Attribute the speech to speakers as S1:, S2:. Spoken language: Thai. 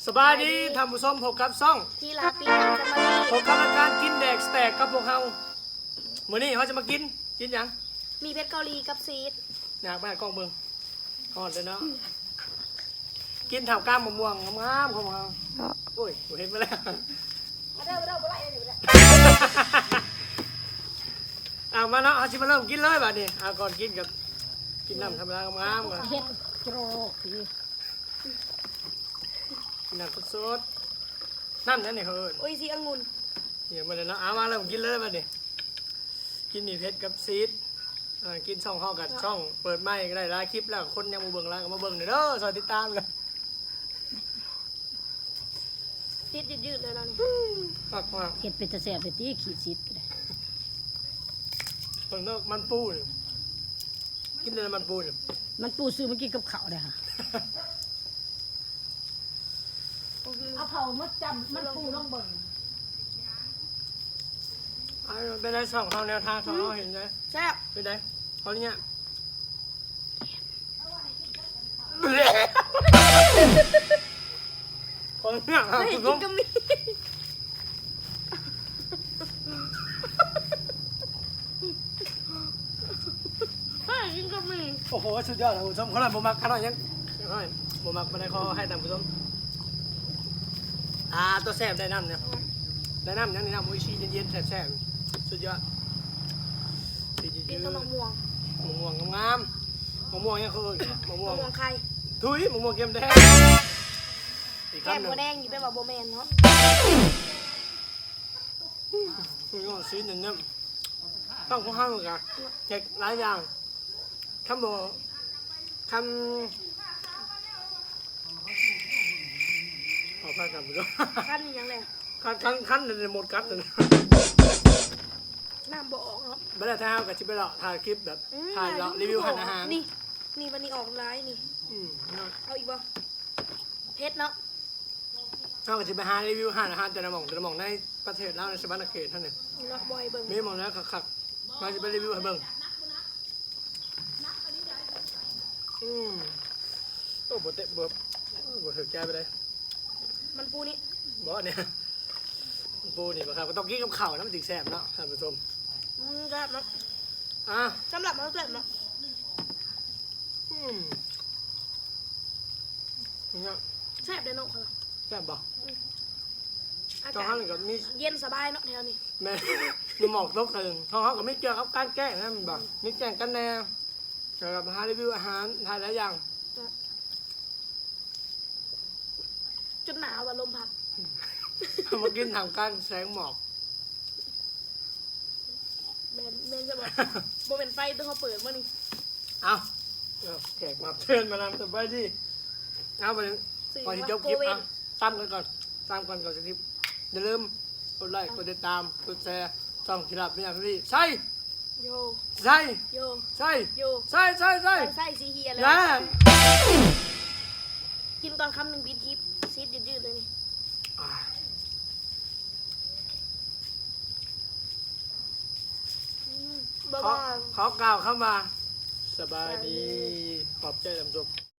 S1: สบายดีทำผู้ชมพบกับซ่อง
S2: ที่ลาปีนังสมารี
S1: พบกับรายการกินแดกสแต็กกับพวกเรามื้อนี้เขาจะมากินหยัง
S2: มีเพชรเกาหลีกับซีด
S1: อยากไปกล้องเบิ่งก่อนเลยเนาะกินถ่าวก้ามมะม่วงงามๆของเราโอ้ยเห็นมาแล้วเอามาเนาะเอาชิมาเริ่มกินเลยบัดนี้เอาก่อนกินกับกินน้ำธรรมดางามๆก่อน
S2: เฮ็ดโจรคือ
S1: กินน้ำสดๆน้ำนั่นนี่เขาเอิ้น
S2: โอ้ยสีองุ่น
S1: เดี๋ยวมาเลยเนาะเอามาเริ่มกินเลยบัดนี้กินหมี่เพชรกับซีดกินช่องเข้ากันช่องเปิดไม้ก็ได้หลายคลิปแล้วคนยังมาเบิ่งแล้วก็มาเบิ่งเด้อสวัสดีตามกัน
S2: ซีดยืดๆเลยเรานี่
S1: มากมาก
S3: เห็ดเป็นตะแสบเป็นที่ขีดซิดก็ได้
S1: เบิ่งเลิกมันปูนี่กินเลยมันปูนี่
S3: มันปูซื้อมากินกับข้าวได้ค่ะเอาเผามาจำมันปูลองเบิ่ง
S1: เป็นไรช่องเขาแนวทางของเขาเห็นไหม
S2: แซ่บ
S1: เป็นไรเขาเนี่ยคนเนี่ย
S2: เฮ้ย
S1: คุณ
S2: กิ
S1: ผู้
S2: น
S1: ช
S2: ก็
S1: ม
S2: มีเฮ้ยกินก็มี
S1: โอ้โหสุดยอดนะคุณผู้ชมเขาเลยบ่มักขนาดยังบ่มักมาได้เขาให้ตามคุณผู้ชมตัวแซ่บได้น้ำเนี่ยได้น้ำยังนี่น้ำโออิชิเย็นๆแซ่บๆสุดยอด
S2: กินกับมะม่วง
S1: มะม่วงงามๆมะม่วงยังเขาเอิ้นมะม่ว
S2: มะ
S1: ง
S2: ม่วงไข่
S1: ทุยมะม่วงเค็มแดงอีก
S2: แก้ม
S1: คำหนึ่
S2: บั
S1: ง
S2: วแดงอยู่เป็นแบบโบแมนเนาะ
S1: คุณก็ซื้อหนึ่งเนี่ยต้องของห้างกันเจ็กหลายอย่างคำบอกคำขอพักกันไปด้วย
S2: ขั้นนี่ยังไง
S1: ขั้นในหมดกัดเลย
S2: น้ำบ่ออกเนาะ
S1: ไม่ได้ถ่ายกับชิปไปหรอกถ่ายคลิปแบบถ่ายแล้วรีวิวอาหาร
S2: นี่นี่วันนี้ออกร้ายนี่เอาอีกบ่เพชรเนาะ
S1: เอากับชิปไปหารีวิวอาหารแต่ละหม่องในประเทศแล้วในสวรรค์เขตท่านเนี่ย
S2: เนาะบอยเบิ่ง
S1: มีหม่องแล้วขักมาจะไปรีวิวให้เบิ่งโอ้โหเตะเบิบถือแก้ไปเลย
S2: มันปูนี่
S1: บอกเนี่ยปูนี่ครับก็ต้องกินกับข้าวนะมันถึงแซ่บเนาะท่านผู้ชม
S2: แซ่บเนาะ
S1: อ่ะ
S2: สำหรับมันแซ่บเนาะ
S1: เนี่ย
S2: แซ่บเลยเนาะค่ะ
S1: แซ่บบ่
S2: อา
S1: ท้อง
S2: กา
S1: ห้า
S2: ศ
S1: งกับมี
S2: เย็นสบายเนาะแถวนี้
S1: แม่มีหมอกตกตึงท้องห้างกับไม่เกี่ยวกับการแก้นะมันบ่มีแกงกันแน่เกี่ยวกับหารีวิวอาหารทานหลายอย่าง
S2: จนหนาวว่าลมพัด
S1: มากินทางการแสงหมอก
S2: แม่จะบอกโบเป็นไฟต้องเขาเปิดมานี่
S1: เอาแขกมาเชิญมานำสบายดีเอาไปก่อนที่จบคลิปอ่ะตามกันก่อนจะคลิปอย่าลืมกดไลค์กดติดตามกดแชร์ช่องกีฬาเป็นอย่างที่ใช่
S2: โย
S1: ใช่
S2: โย
S1: ใช่
S2: โย
S1: ใช่ใช่ใช่
S2: ไส้สีเฮียเลย
S1: นะ
S2: กินตอนคำหนึ่งบีทคลิปซีดยืดๆเลยนี่บ๊ายบาย
S1: ขอกล่าวเข้ามาสบายดีขอบใจท่านผู้ชม